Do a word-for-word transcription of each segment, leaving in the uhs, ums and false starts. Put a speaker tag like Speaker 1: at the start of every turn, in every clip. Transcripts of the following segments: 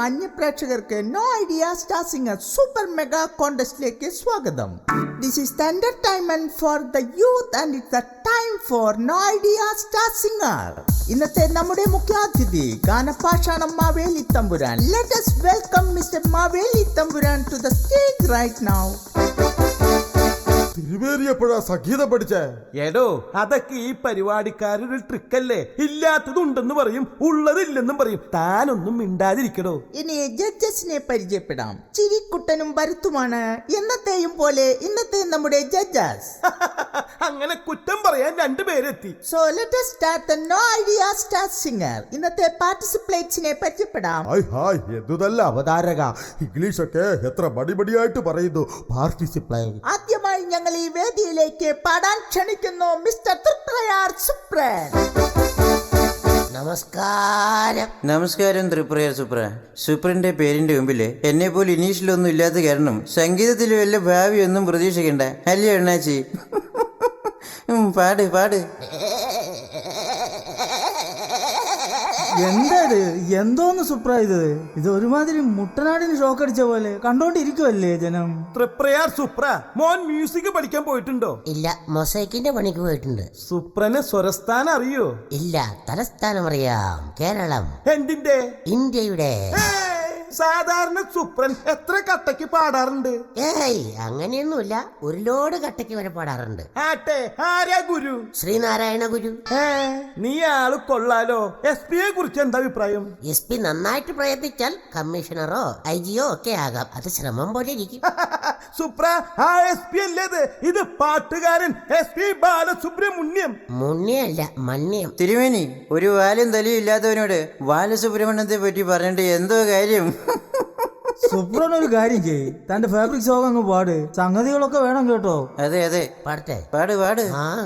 Speaker 1: മാന്യ പ്രേക്ഷകർക്ക് no idea star singer super mega കോൺടെസ്റ്റിലേക്ക് സ്വാഗതം. This is the entertainment for the youth and it's the time for no idea star singer. ഇന്നത്തെ നമ്മുടെ മുഖ്യാതിഥി ഗാനപാഷാണം Maveli Thampuran. Let us welcome mister Maveli Thampuran to the stage right now.
Speaker 2: തിരുവേറിയപ്പോഴാ സംഗീതം പഠിച്ചേ?
Speaker 3: എടോ, അതൊക്കെ ഈ പരിപാടിക്കാരൊരു ട്രിക്കല്ലേ. ഇല്ലാത്തതുണ്ടെന്ന് പറയും, ഉള്ളതില്ലെന്നും പറയും. താനൊന്നും മിണ്ടാതിരിക്കടോ.
Speaker 1: ഇനി ജഡ്ജസിനെ പരിചയപ്പെടാം. ചിരിക്കുട്ടനും ഭരത്തുമാണ് എന്നത്തെയും പോലെ ഇന്നത്തെ നമ്മുടെ ജഡ്ജസ്.
Speaker 3: അങ്ങനെ കുറ്റം പറയാൻ രണ്ടുപേരെത്തി.
Speaker 1: So let us start the no idea star singer. ഇന്നത്തെ പാർട്ടിസിപ്പേറ്റ്സിനെ പരിചയപ്പെടാം.
Speaker 2: Hi hi, എന്തുതല്ല അവതാരക. ഇംഗ്ലീഷൊക്കെ എത്ര മടിമടിയായിട്ട് പറയുന്നു. പാർട്ടിസിപ്പേറ്റ്.
Speaker 1: ആദ്യമായി ഞങ്ങൾ ഈ വേദിയിലേക്ക് പാടാൻ ക്ഷണിക്കുന്നു മിസ്റ്റർ ത്രിപ്രയാർ സുപ്രൻ.
Speaker 4: നമസ്കാരം. നമസ്കാരം ത്രിപ്രയാർ സുപ്ര. സുപ്രന്റെ പേരിന്റെ മുമ്പില് എന്നെ പോലെ ഇനീഷ്യലൊന്നും ഇല്ലാത്ത കാരണം സംഗീതത്തിൽ വല്ല ഭാവി ഒന്നും പ്രതീക്ഷിക്കണ്ട. അല്ലേ അണ്ണാച്ചി? പാട് പാട്.
Speaker 5: എന്താത്? എന്തോന്ന് സുപ്ര ഇത്? ഇത് ഒരുമാതിരി മുട്ടനാടിന് ഷോക്ക് അടിച്ച പോലെ കണ്ടോണ്ടിരിക്കുവല്ലേ ജനം.
Speaker 3: ത്രിപ്രയാർ സുപ്ര, മോൻ മ്യൂസിക് പഠിക്കാൻ പോയിട്ടുണ്ടോ?
Speaker 6: ഇല്ല, മൊസൈക്കിന്റെ പണിക്ക് പോയിട്ടുണ്ട്.
Speaker 3: സുപ്രന് സ്വരസ്ഥാനം അറിയോ?
Speaker 6: ഇല്ല, തലസ്ഥാനം അറിയാം. കേരളം.
Speaker 3: എന്തിന്റെ?
Speaker 6: ഇന്ത്യയുടെ.
Speaker 3: സാധാരണ സുപ്രൻ എത്ര കട്ടയ്ക്ക് പാടാറുണ്ട്?
Speaker 6: ഏയ്, അങ്ങനെയൊന്നുമില്ല. ഒരു ലോഡ് കട്ടയ്ക്ക് വരെ പാടാറുണ്ട്.
Speaker 3: ആട്ടെ, ആരാ ഗുരു?
Speaker 6: ശ്രീനാരായണ ഗുരു.
Speaker 3: നീ ആള് കൊള്ളാലോ. എസ് പിയെ കുറിച്ച് എന്താ അഭിപ്രായം?
Speaker 6: എസ് പി നന്നായിട്ട് പ്രയത്നിച്ചാൽ കമ്മീഷണറോ ഐ ജിയോ ഒക്കെ ആകാം. അത് ശ്രമം പോലെ ഇരിക്കും.
Speaker 3: സുപ്ര, ആ എസ് പി അല്ലേത്? ഇത് പാട്ടുകാരൻ എസ് പി ബാലസുബ്രഹ്മണ്യം.
Speaker 6: മുണ്യല്ല, മണ്യം.
Speaker 4: തിരുമേനി, ഒരു വാലും തലയും ഇല്ലാത്തവനോട് ബാലസുബ്രഹ്മണ്യത്തെ പറ്റി പറഞ്ഞിട്ട് എന്തോ കാര്യം.
Speaker 5: സുപ്രൻ ഒരു കാര്യം ചെയ്യ്, തന്റെ ഫാബ്രിക് സോങ് അങ്ങ് പാട്. സംഗതികളൊക്കെ വേണം കേട്ടോ.
Speaker 4: അതെ അതെ,
Speaker 6: പാടട്ടെ?
Speaker 4: പാട് പാട്.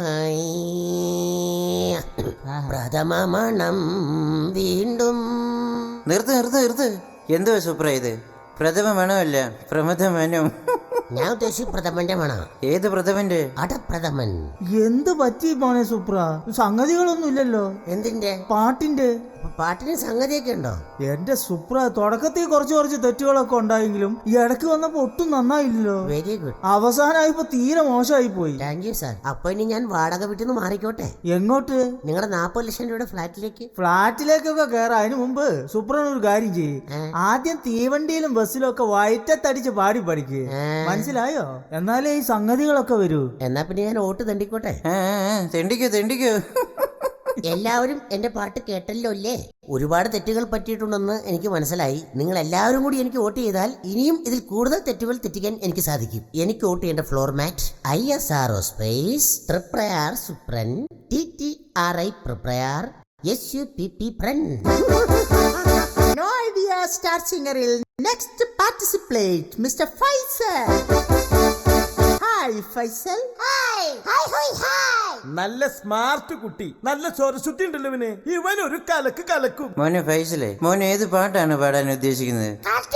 Speaker 6: പ്രഥമ മണം വീണ്ടും.
Speaker 4: നിർത്ത് നിർത്ത് നിർത്ത്. എന്തോ സുപ്ര ഇത്? പ്രഥമ മണമല്ല, പ്രമഥ മനം.
Speaker 6: ഞാൻ ഉദ്ദേശിച്ചു പ്രഥമന്റെ മണം.
Speaker 4: ഏത് പ്രഥമന്റെ?
Speaker 6: അടപ്രഥമൻ.
Speaker 5: എന്ത് പറ്റി പോണേ സുപ്ര? സംഗതികളൊന്നും ഇല്ലല്ലോ.
Speaker 6: എന്തിന്റെ?
Speaker 5: പാട്ടിന്റെ.
Speaker 6: പാട്ടിന് സംഗതിയൊക്കെ ഉണ്ടോ?
Speaker 5: എന്റെ സുപ്ര, തുടക്കത്തിൽ കുറച്ച് കുറച്ച് തെറ്റുകളൊക്കെ ഉണ്ടായെങ്കിലും ഈ ഇടയ്ക്ക് വന്നപ്പോ ഒട്ടും നന്നായില്ലല്ലോ.
Speaker 6: Very good.
Speaker 5: അവസാനമായിപ്പോ തീരെ മോശമായി പോയി.
Speaker 6: Thank you sir. അപ്പൊ ഇനി ഞാൻ വാടക വീട്ടിൽ നിന്ന് മാറിക്കോട്ടെ?
Speaker 5: എങ്ങോട്ട്?
Speaker 6: നിങ്ങളുടെ നാപ്പത് ലക്ഷം രൂപയുടെ ഫ്ലാറ്റിലേക്ക്.
Speaker 5: ഫ്ലാറ്റിലേക്കൊക്കെ കയറാം. അതിന് മുമ്പ് സുപ്രൻ ഒരു കാര്യം ചെയ്യ്. ആദ്യം തീവണ്ടിയിലും ബസ്സിലും ഒക്കെ വയറ്റത്തടിച്ച് പാടി പഠിക്ക്. മനസ്സിലായോ? എന്നാലേ ഈ സംഗതികളൊക്കെ വരൂ.
Speaker 6: എന്നാ പിന്നെ ഞാൻ വോട്ട് തെണ്ടിക്കോട്ടെ?
Speaker 4: തെണ്ടിക്കോ തെണ്ടിക്കോ.
Speaker 6: എല്ലാവരും എന്റെ പാട്ട് കേട്ടല്ലോ അല്ലേ? ഒരുപാട് തെറ്റുകൾ പറ്റിയിട്ടുണ്ടെന്ന് എനിക്ക് മനസ്സിലായി. നിങ്ങൾ എല്ലാവരും കൂടി എനിക്ക് വോട്ട് ചെയ്താൽ ഇനിയും ഇതിൽ കൂടുതൽ തെറ്റുകൾ തെറ്റിക്കാൻ എനിക്ക് സാധിക്കും. എനിക്ക് വോട്ട് ചെയ്യേണ്ട format I S R O space Triprayar Supran T T R I പ്രിപ്രയാർ എസ് യു പി പി പ്രൻ.
Speaker 1: നോ ഐഡിയ സ്റ്റാർ സിംഗറിൽ next participate mister Faisal. Hi Faisal. Hi hi hi hi.
Speaker 3: നല്ല സ്മാർട്ട് കുട്ടി, നല്ല സ്വരശുദ്ധി ഉണ്ടല്ലോ ഇവന്. ഇവൻ ഒരു കലക്ക് കലക്കും.
Speaker 4: മോനെ ഫൈസലേ, മോൻ ഏത് പാട്ടാണ് പാടാൻ ഉദ്ദേശിക്കുന്നത്?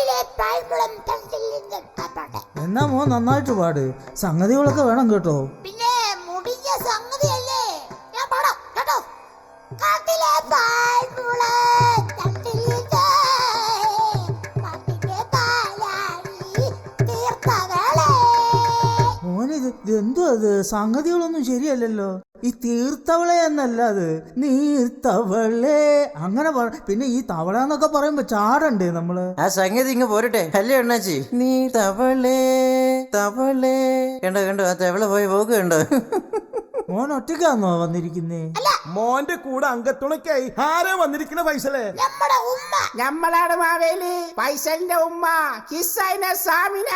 Speaker 5: എന്നാ മോൻ നന്നായിട്ട് പാട്. സംഗതികളൊക്കെ വേണം കേട്ടോ.
Speaker 7: പിന്നെ മുടിഞ്ഞ സംഗതിയല്ലേ, ഞാൻ പാടാം കേട്ടോ. കാട്ടിലെ പാൽമുള തട്ടിലിട്ട് കാട്ടിലെ പാലാഴി തീർത്തകളെ.
Speaker 5: മോനിത് എന്തോ അത്? സംഗതികളൊന്നും ശരിയല്ലല്ലോ. ഈ തീർത്തവളെ എന്നല്ല, അത് നീർത്തവളെ അങ്ങനെ. പിന്നെ ഈ തവള എന്നൊക്കെ പറയുമ്പോ ചാടണ്ടേ നമ്മള്?
Speaker 4: ആ സംഗതി ഇങ്ങ് പോരട്ടെ. അല്ലേ അണ്ണാച്ചി? നീ തവളേ തവളേ. കണ്ടോ കണ്ടോ, ആ തവള പോയി പോക്ക് കണ്ടോ?
Speaker 5: മോൻ ഒറ്റയ്ക്കാന്നോ വന്നിരിക്കുന്നേ?
Speaker 3: മോന്റെ കൂടെ അംഗത്തുണക്കായി ആരാ വന്നിരിക്കണ ഫൈസലേ?
Speaker 7: നമ്മുടെ ഉമ്മ.
Speaker 1: നമ്മളാണ് മാവേലി, ഫൈസലിന്റെ ഉമ്മ ഹിസൈന സാമിന.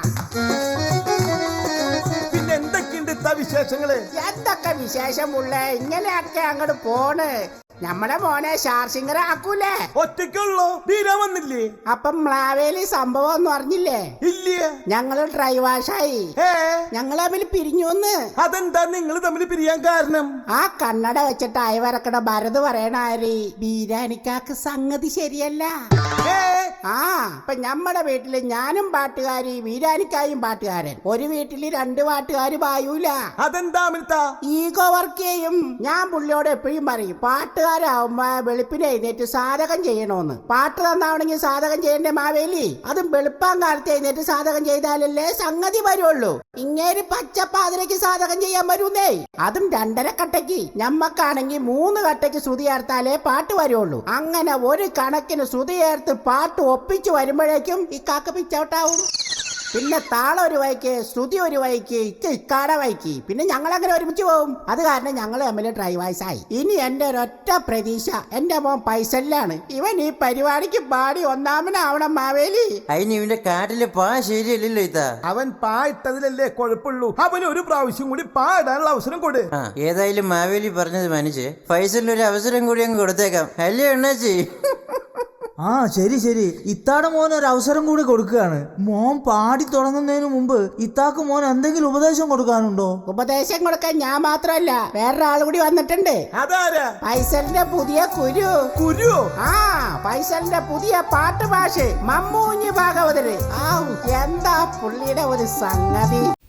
Speaker 3: പിന്നെ എന്തൊക്കെയുണ്ട് ഇത്ത വിശേഷങ്ങള്?
Speaker 1: എന്തൊക്കെ വിശേഷമുള്ള ഇങ്ങനെയൊക്കെ അങ്ങോട്ട് പോണ്. നമ്മുടെ മോനെ സ്റ്റാർ സിംഗർ ആക്കൂലേ?
Speaker 3: ഒറ്റയ്ക്കുള്ളോ? തീരാ വന്നില്ലേ?
Speaker 1: അപ്പം മാവേലി സംഭവം ഒന്നും അറിഞ്ഞില്ലേ?
Speaker 3: ഇല്ലേ.
Speaker 1: ഞങ്ങള് ഡ്രൈവാഷായി.
Speaker 3: ഏ,
Speaker 1: ഞങ്ങൾ തമ്മിൽ പിരിഞ്ഞുന്ന്.
Speaker 3: അതെന്താ നിങ്ങൾ തമ്മിൽ പിരിയാൻ കാരണം?
Speaker 1: ആ കണ്ണട വെച്ചിട്ട് അയവരക്കട ഭരത് പറയണ ആര് ബീരാനിക്കാക്ക് സംഗതി ശരിയല്ല.
Speaker 3: ഏ,
Speaker 8: ആ ഇപ്പൊ നമ്മുടെ വീട്ടില് ഞാനും പാട്ടുകാരി വീരാനിക്കായും പാട്ടുകാരൻ. ഒരു വീട്ടില് രണ്ട് പാട്ടുകാര് പായൂല.
Speaker 3: അതെന്താ അമിത?
Speaker 8: ഈഗോ വർക്ക് ചെയ്യും. ഞാൻ പുള്ളിയോട് എപ്പോഴും പറയും പാട്ടുകാരാവുമ്പോ വെളുപ്പിനെ എഴുന്നേറ്റ് സാധകം ചെയ്യണോന്ന്. പാട്ട് തന്നാവണെങ്കിൽ സാധകം ചെയ്യണ്ടേ മാവേലി? അതും വെളുപ്പാൻ കാലത്ത് എഴുന്നേറ്റ് സാധകം ചെയ്താലല്ലേ സംഗതി വരുള്ളൂ. ഇങ്ങേര് പച്ചപ്പാതിരക്ക് സാധകം ചെയ്യാൻ വരൂന്നേ. അതും രണ്ടര കട്ടയ്ക്ക്. ഞമ്മക്കാണെങ്കിൽ മൂന്ന് കട്ടയ്ക്ക് ശ്രുതി ചേർത്താലേ പാട്ട് വരുള്ളൂ. അങ്ങനെ ഒരു കണക്കിന് ശ്രുതി ചേർത്ത് പാട്ട് ഒപ്പിച്ചു വരുമ്പോഴേക്കും ഈ കാക്ക പിച്ചൗട്ടാവും. പിന്നെ താളം ഒരു വൈക്ക്, ശ്രുതി ഒരു വൈക്ക്, ഇക്ക ഇക്കാട വൈക്ക്. പിന്നെ ഞങ്ങൾ അങ്ങനെ ഒരുമിച്ച് പോകും. അത് കാരണം ഞങ്ങൾ തമ്മിൽ ഡ്രൈവേഴ്സായി. ഇനി എന്റെ ഒരൊറ്റ പ്രതീക്ഷ എന്റെ മോൻ പൈസല്ലാണ്. ഇവൻ ഈ പരിപാടിക്ക് പാടി ഒന്നാമനാവണം മാവേലി.
Speaker 4: അതിന് ഇവന്റെ കാട്ടിലെ പാ ശരിയല്ലല്ലോ ഇത്താ.
Speaker 3: അവൻ പാ ഇട്ടതിലല്ലേ കുഴപ്പമുള്ളൂ. അവന് ഒരു പ്രാവശ്യം കൂടി പാടാനുള്ള അവസരം കൊടു.
Speaker 4: ആ ഏതായാലും മാവേലി പറഞ്ഞത് മാനിച്ച് ഫൈസലിന് ഒരു അവസരം കൂടി അങ്ങ് കൊടുത്തേക്കാം. അല്ലേ എണ്ണാച്ചി?
Speaker 5: ആ ശരി ശരി, ഇത്താടെ മോൻ ഒരു അവസരം കൂടി കൊടുക്കുകയാണ്. മോൻ പാടി തുടങ്ങുന്നതിന് മുമ്പ് ഇത്താക്ക് മോൻ എന്തെങ്കിലും ഉപദേശം കൊടുക്കാനുണ്ടോ?
Speaker 8: ഉപദേശം കൊടുക്കാൻ ഞാൻ മാത്രമല്ല വേറൊരാൾ കൂടി വന്നിട്ടുണ്ട്.
Speaker 3: അതാരാ?
Speaker 8: ഫൈസലിന്റെ പുതിയ കുരു.
Speaker 3: കുരു?
Speaker 8: ആ ഫൈസലിന്റെ പുതിയ പാട്ട് ഭാഷ മമ്മൂഞ്ഞ് ഭാഗവതര്. ആ എന്താ പുള്ളിയുടെ ഒരു സംഗതി.